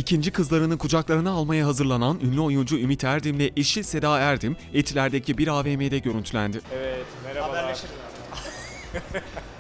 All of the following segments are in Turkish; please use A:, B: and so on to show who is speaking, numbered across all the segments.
A: İkinci kızlarını kucaklarına almaya hazırlanan ünlü oyuncu Ümit Erdem'le eşi Seda Erdem, Etiler'deki bir AVM'de görüntülendi.
B: Evet, merhabalar.
C: Haberleşiriz abi.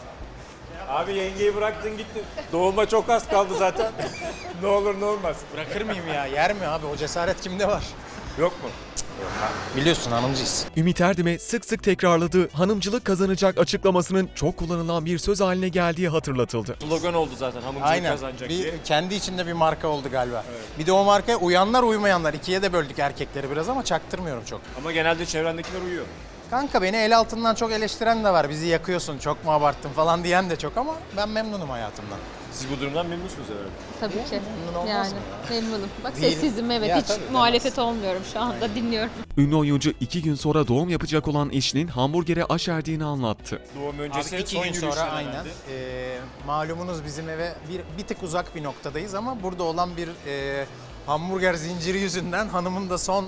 B: Abi yengeyi bıraktın gittin. Doğuma çok az kaldı zaten. Ne olur ne olmaz.
C: Bırakır mıyım ya? Yer mi abi? O cesaret kimde var?
B: Yok mu?
C: Biliyorsun hanımcıyız.
A: Ümit Erdem'e sık sık tekrarladığı hanımcılık kazanacak açıklamasının çok kullanılan bir söz haline geldiği hatırlatıldı.
B: Slogan oldu zaten hamurculuk
C: Aynen.
B: kazanacak
C: Bir,
B: diye.
C: kendi içinde bir marka oldu galiba. Bir de o markaya uyanlar uymayanlar. İkiye de böldük erkekleri biraz ama çaktırmıyorum çok.
B: Ama genelde çevrendekiler uyuyor.
C: Kanka beni el altından çok eleştiren de var. Bizi yakıyorsun, çok mu abarttın falan diyen de çok ama ben memnunum hayatımdan.
B: Siz bu durumdan memnunsunuz herhalde.
D: Tabii ki.
C: Memnun olmaz
D: Yani
C: mı
D: memnunum. Bak
C: Değil.
D: sessizim, evet,
C: Ya
D: hiç
C: tabii,
D: muhalefet olmuyorum şu anda, dinliyorum.
A: Ünlü oyuncu 2 gün sonra doğum yapacak olan eşinin hamburgere aşerdiğini anlattı.
B: Doğum öncesi
C: Abi 2
B: son
C: gün
B: yürüyüşler
C: sonra
B: herhalde.
C: aynen. Malumunuz bizim eve bir tık uzak bir noktadayız ama burada olan bir hamburger zinciri yüzünden hanımın da son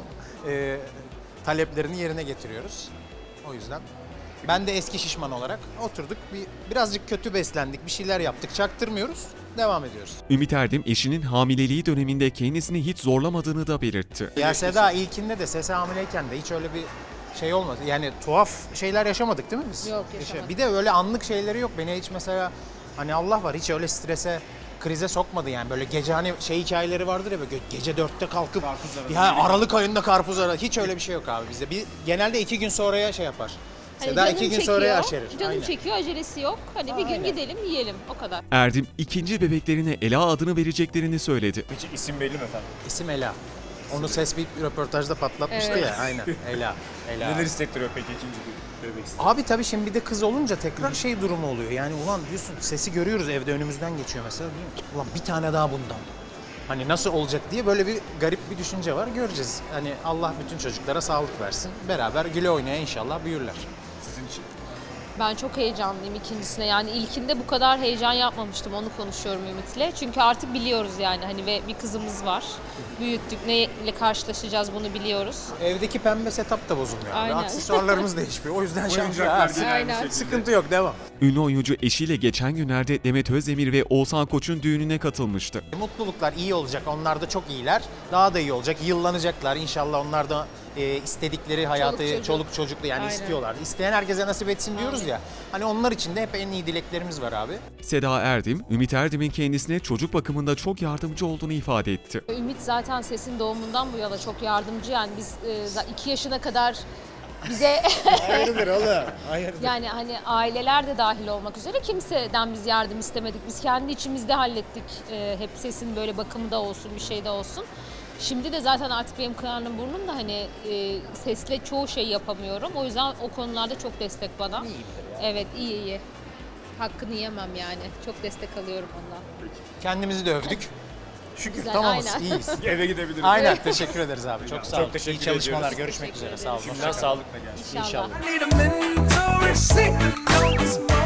C: taleplerini yerine getiriyoruz. O yüzden ben de eski şişman olarak oturduk. Birazcık kötü beslendik, bir şeyler yaptık, çaktırmıyoruz, devam ediyoruz.
A: Ümit Erdem eşinin hamileliği döneminde kendisini hiç zorlamadığını da belirtti.
C: Ya Seda ilkinde de sese hamileyken de hiç öyle bir şey olmadı. Yani tuhaf şeyler yaşamadık değil mi biz?
D: Yok, yaşamadık.
C: Bir de öyle anlık şeyleri yok. Beni hiç mesela hani Allah var hiç öyle strese, krize sokmadı yani. Böyle gece hani şey hikayeleri vardır ya böyle gece 4'te kalkıp ya Aralık ayında karpuz aradı. Hiç öyle bir şey yok abi bizde. Genelde 2 gün sonraya şey yapar.
D: Hani
C: Seda
D: canım
C: 2 gün
D: çekiyor,
C: sonraya aşerir.
D: Canım
C: Aynen.
D: çekiyor, acelesi yok. Hani bir gün
C: Aynen.
D: gidelim, yiyelim, o kadar.
A: Erdem ikinci bebeklerine Ela adını vereceklerini söyledi.
B: Peki isim belli mi efendim?
C: İsim Ela. Onu ses bir röportajda patlatmıştı
D: Evet.
C: ya. Aynen. Ela.
B: Neler hissettiriyor peki ikinci bir bebek?
C: Abi tabii şimdi bir de kız olunca tekrar şey durumu oluyor. Yani ulan diyorsun sesi görüyoruz evde önümüzden geçiyor mesela. Diyorum ki, ulan bir tane daha bundan. Hani nasıl olacak diye böyle bir garip bir düşünce var. Göreceğiz. Hani Allah bütün çocuklara sağlık versin. Beraber güle oynaya inşallah büyürler.
B: Sizin için.
D: Ben çok heyecanlıyım ikincisine. Yani ilkinde bu kadar heyecan yapmamıştım. Onu konuşuyorum Ümit'le. Çünkü artık biliyoruz yani hani ve bir kızımız var. Büyüttük. Neyle karşılaşacağız bunu biliyoruz.
C: Evdeki pembe setup da bozulmuyor. Abi.
D: Aynen.
C: Aksesuarlarımız değişmiyor. O yüzden
B: Oyuncaklar
C: şanslıyız.
B: yine aynı
D: Aynen.
B: şekilde.
C: Sıkıntı yok devam.
A: Ünlü oyuncu eşiyle geçen günlerde Demet Özdemir ve Oğuzhan Koç'un düğününe katılmıştı.
C: Mutluluklar iyi olacak. Onlar da çok iyiler. Daha da iyi olacak. Yıllanacaklar. İnşallah onlar da istedikleri hayatı çoluk çocuklu yani
D: Aynen.
C: istiyorlar. İsteyen herkese nasip etsin diyoruz ya. Hani onlar için de hep en iyi dileklerimiz var abi.
A: Seda Erdem, Ümit Erdem'in kendisine çocuk bakımında çok yardımcı olduğunu ifade etti.
D: Ümit zaten sesin doğumundan bu yana çok yardımcı. Yani biz 2 yaşına kadar bize
C: Hayırdır oğlum? Hayırdır.
D: yani hani aileler de dahil olmak üzere kimseden biz yardım istemedik. Biz kendi içimizde hallettik. Hep sesin böyle bakımı da olsun, bir şey de olsun. Şimdi de zaten artık benim karnım burnum da hani sesle çoğu şey yapamıyorum. O yüzden o konularda çok destek bana. Evet, iyi. Hakkını yemem yani. Çok destek alıyorum ondan.
C: Kendimizi de övdük. Şükür
D: Güzel,
C: tamamız,
D: aynen.
C: iyiyiz.
B: Eve gidebiliriz.
C: Aynen, teşekkür ederiz abi. Çok sağ olun.
B: Çok teşekkür
C: İyi çalışmalar,
B: ediyoruz.
C: görüşmek
D: Teşekkür
C: üzere. Sağ olun.
B: Şimdiden sağlıkla gelsin.
D: İnşallah.
E: Need a mentor, receive the notes, moment.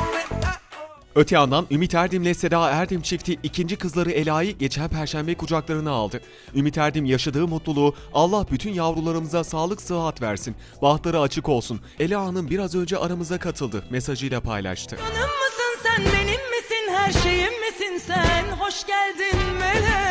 A: Öte yandan Ümit Erdem'le Seda Erdem çifti ikinci kızları Ela'yı geçen Perşembe kucaklarına aldı. Ümit Erdem yaşadığı mutluluğu "Allah bütün yavrularımıza sağlık sıhhat versin, bahtları açık olsun. Ela Hanım biraz önce aramıza katıldı" mesajıyla paylaştı.
F: Canım mısın sen, benim misin, her şeyim misin sen? Hoş geldin melek.